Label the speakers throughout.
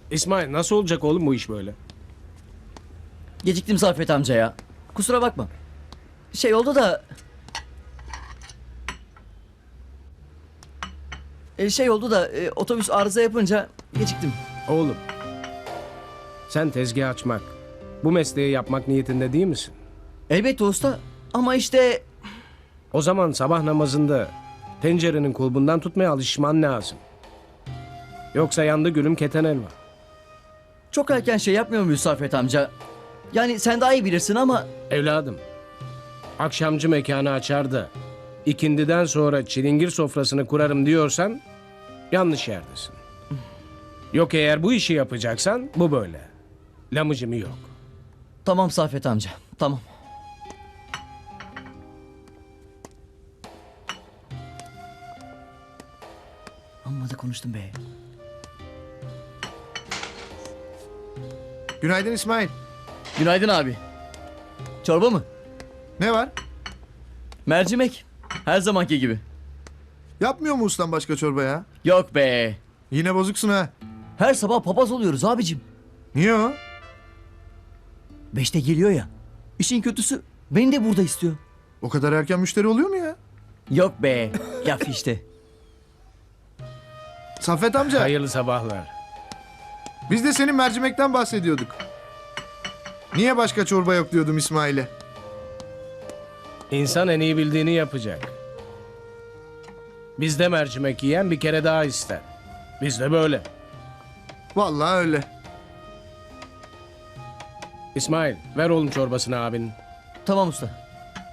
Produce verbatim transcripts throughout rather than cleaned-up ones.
Speaker 1: İsmail nasıl olacak oğlum bu iş böyle?
Speaker 2: Geciktim Saffet amca ya. Kusura bakma. Şey oldu da... E, şey oldu da e, otobüs arıza yapınca geciktim.
Speaker 1: Oğlum. Sen tezgah açmak, bu mesleği yapmak niyetinde değil misin?
Speaker 2: Elbette usta ama işte...
Speaker 1: O zaman sabah namazında tencerenin kulbundan tutmaya alışman lazım. Yoksa yandı gülüm keten elma.
Speaker 2: Çok erken şey yapmıyor muyuz Saffet amca? Yani sen daha iyi bilirsin ama...
Speaker 1: Evladım, akşamcı mekanı açar da ikindiden sonra çilingir sofrasını kurarım diyorsan yanlış yerdesin. Yok eğer bu işi yapacaksan bu böyle. Lamıcımı yok.
Speaker 2: Tamam Saffet amca, tamam. Amma da konuştum be.
Speaker 3: Günaydın İsmail.
Speaker 2: Günaydın abi. Çorba mı?
Speaker 3: Ne var?
Speaker 2: Mercimek. Her zamanki gibi.
Speaker 3: Yapmıyor mu ustan başka çorba ya?
Speaker 2: Yok be.
Speaker 3: Yine bozuksun ha.
Speaker 2: Her sabah papaz oluyoruz abicim.
Speaker 3: Niye o?
Speaker 2: Beşte geliyor ya. İşin kötüsü beni de burada istiyor.
Speaker 3: O kadar erken müşteri oluyor mu ya?
Speaker 2: Yok be. Laf işte.
Speaker 3: Saffet amca,
Speaker 1: Hayırlı sabahlar.
Speaker 3: biz de senin mercimekten bahsediyorduk. Niye başka çorba yok diyordum İsmail'e.
Speaker 1: İnsan en iyi bildiğini yapacak. Bizde mercimek yiyen bir kere daha ister. Bizde böyle.
Speaker 3: Vallahi öyle.
Speaker 1: İsmail ver oğlum çorbasını abinin.
Speaker 2: Tamam usta.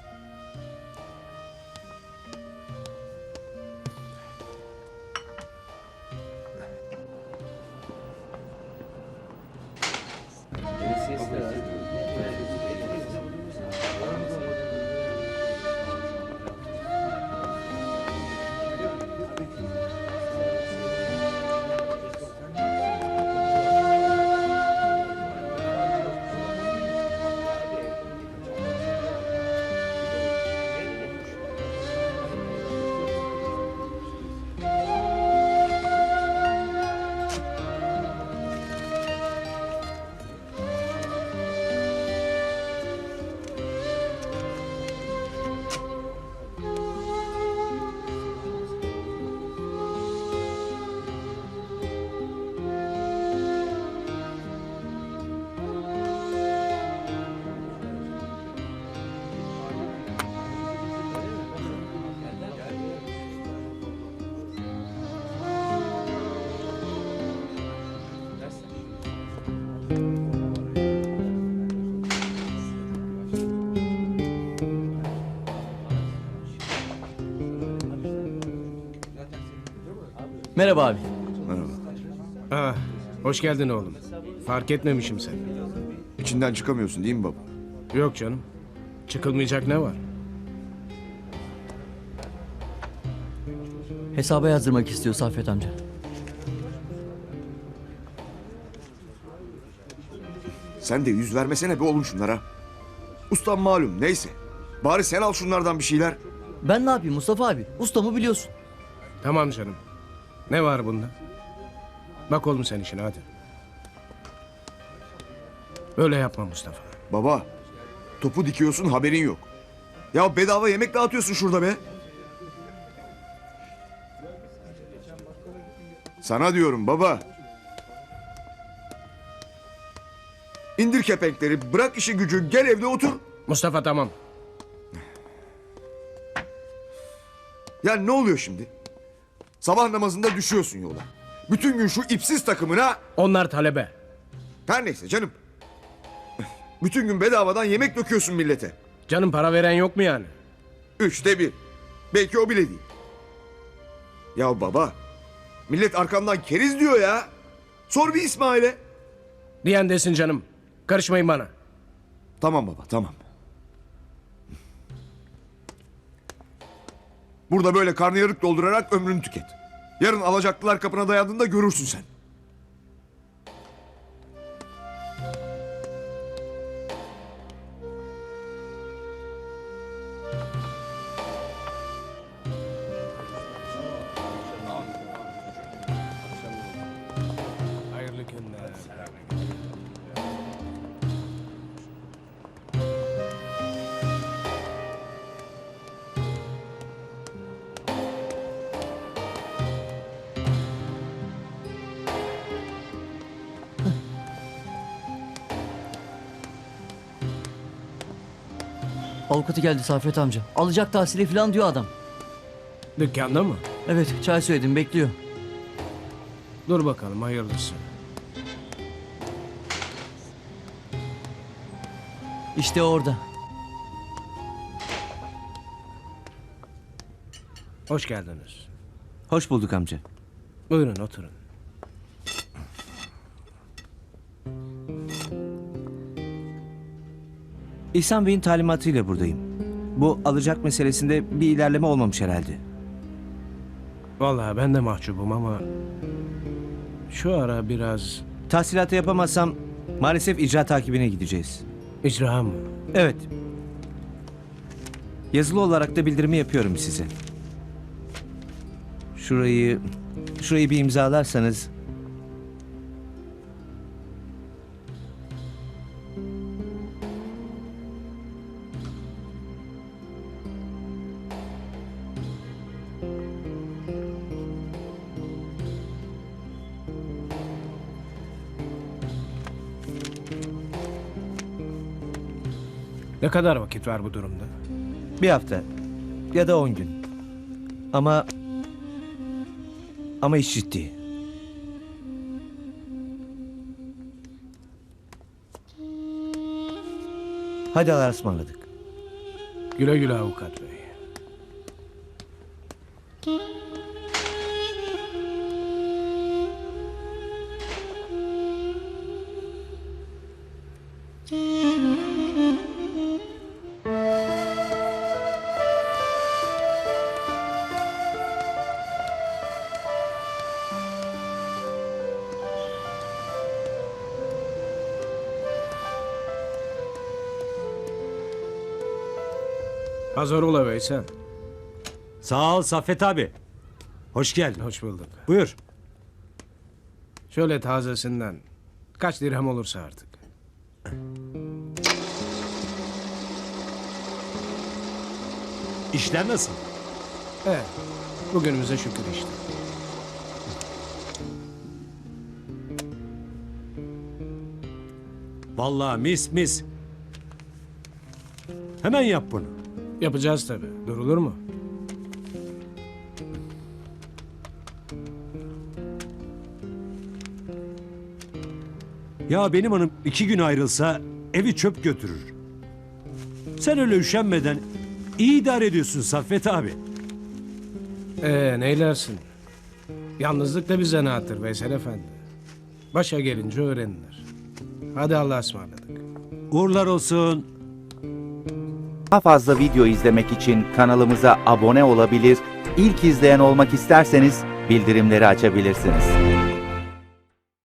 Speaker 2: Merhaba abi.
Speaker 1: Ah, hoş geldin oğlum. Fark etmemişim seni.
Speaker 4: İçinden çıkamıyorsun değil mi baba?
Speaker 1: Yok canım. Çıkılmayacak ne var?
Speaker 2: Hesaba yazdırmak istiyor Saffet amca.
Speaker 4: Sen de yüz vermesene be oğlum şunlara. Ustam malum neyse. Bari sen al şunlardan bir şeyler.
Speaker 2: Ben ne yapayım Mustafa abi? Ustamı biliyorsun.
Speaker 1: Tamam canım. Ne var bunda? Bak oğlum sen işine hadi. Böyle yapma Mustafa.
Speaker 4: Baba, topu dikiyorsun haberin yok. Ya bedava yemek dağıtıyorsun şurada be. Sana diyorum baba. İndir kepenkleri, bırak işi gücü, gel evde otur.
Speaker 1: Mustafa tamam.
Speaker 4: Ya ne oluyor şimdi? Sabah namazında düşüyorsun yola. Bütün gün şu ipsiz takımına...
Speaker 1: Onlar talebe.
Speaker 4: Her neyse canım. Bütün gün bedavadan yemek döküyorsun millete.
Speaker 1: Canım para veren yok mu yani?
Speaker 4: Üçte bir. Belki o bile değil. Ya baba, millet arkamdan keriz diyor ya. Sor bir İsmail'e.
Speaker 1: Diyen desin canım. Karışmayın bana.
Speaker 4: Tamam baba, tamam. Burada böyle karnıyarık doldurarak ömrünü tüket. Yarın alacaklılar kapına dayandığında görürsün sen.
Speaker 1: Hayırlı günler.
Speaker 2: Avukatı geldi Saffet amca. Alacak tahsili falan diyor adam.
Speaker 1: Dükkanda mı?
Speaker 2: Evet çay söyledim bekliyor.
Speaker 1: Dur bakalım hayırlısı.
Speaker 2: İşte orada.
Speaker 1: Hoş geldiniz.
Speaker 5: Hoş bulduk amca.
Speaker 1: Buyurun oturun.
Speaker 5: İhsan Bey'in talimatıyla buradayım. Bu alacak meselesinde bir ilerleme olmamış herhalde.
Speaker 1: Vallahi ben de mahcubum ama şu ara biraz
Speaker 5: Tahsilatı yapamazsam maalesef icra takibine gideceğiz.
Speaker 1: icra mı?
Speaker 5: Evet. Yazılı olarak da bildirimi yapıyorum size. Şurayı, şurayı bir imzalarsanız.
Speaker 1: Ne kadar vakit var bu durumda?
Speaker 5: Bir hafta ya da on gün. Ama ama iş ciddi. Hadi Allah'a ısmarladık.
Speaker 1: Güle güle avukat bey. Hazır ola Veysel.
Speaker 6: Sağ ol Saffet abi. Hoş geldin.
Speaker 1: Hoş bulduk.
Speaker 6: Buyur.
Speaker 1: Şöyle tazesinden kaç dirhem olursa artık.
Speaker 6: İşler nasıl?
Speaker 1: Evet. Bugünümüze şükür işte.
Speaker 6: Vallahi mis mis. Hemen yap bunu.
Speaker 1: Yapacağız tabii. Durulur mu?
Speaker 6: Ya benim hanım iki gün ayrılsa evi çöp götürür. Sen öyle üşenmeden iyi idare ediyorsun Saffet abi.
Speaker 1: Ee neylersin? Yalnızlık da bir zanaattır Veysel Efendi. Başa gelince öğrenilir. Hadi Allah'a ısmarladık.
Speaker 6: Uğurlar olsun.
Speaker 7: Daha fazla video izlemek için kanalımıza abone olabilir, ilk izleyen olmak isterseniz bildirimleri açabilirsiniz.